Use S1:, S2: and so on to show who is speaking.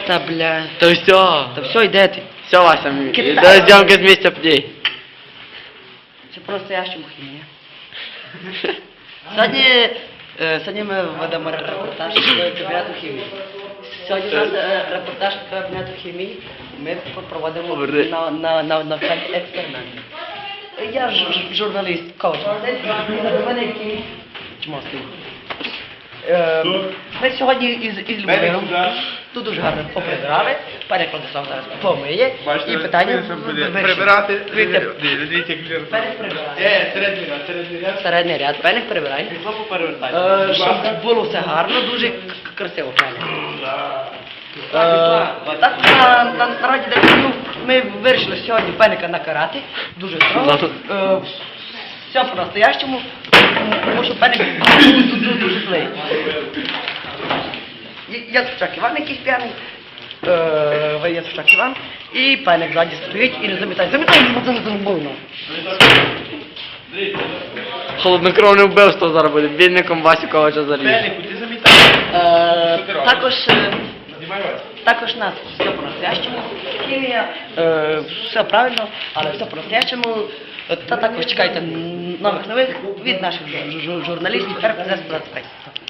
S1: Та бля.
S2: Та все.
S1: Та все, йде ти.
S2: Все, Вася,
S1: Китай.
S2: до зйомки з місця подій.
S1: Це по-настоящему хімія. Сьогодні ми ведемо репортаж з кабінету хімії. Сьогодні у нас репортаж з кабінету хімії. Ми проводимо навчальні експерименти. Я журналіст, коуч. У мене який чмоский. Ми сьогодні із Любомиром тут дуже гарно поприбирали. Пані Владислав зараз помиє. І питання
S3: Прибирати.
S1: Дивіться, середній ряд. Пеник прибирай. Щоб було все гарно, дуже красиво, пеник. Так, на раді декану ми вирішили сьогодні пеника накарати. Дуже строго. Все по-настоящему, тому що пеник дуже злий. Я Цучак Іван якийсь п'яний. Я Цучак Іван. І пеник ззаді стоїть і не замітає. Замітає, бо це не зробив.
S2: Холоднокровне вбивство зараз буде. Бідником Васю Ковача заріж.
S3: Пеліку, ти замітаєш.
S1: Також нас все по-настоящему. Хімія, все правильно, але все по-настоящему. Та також чекайте нових новин від наших журналістів РПЗ 25.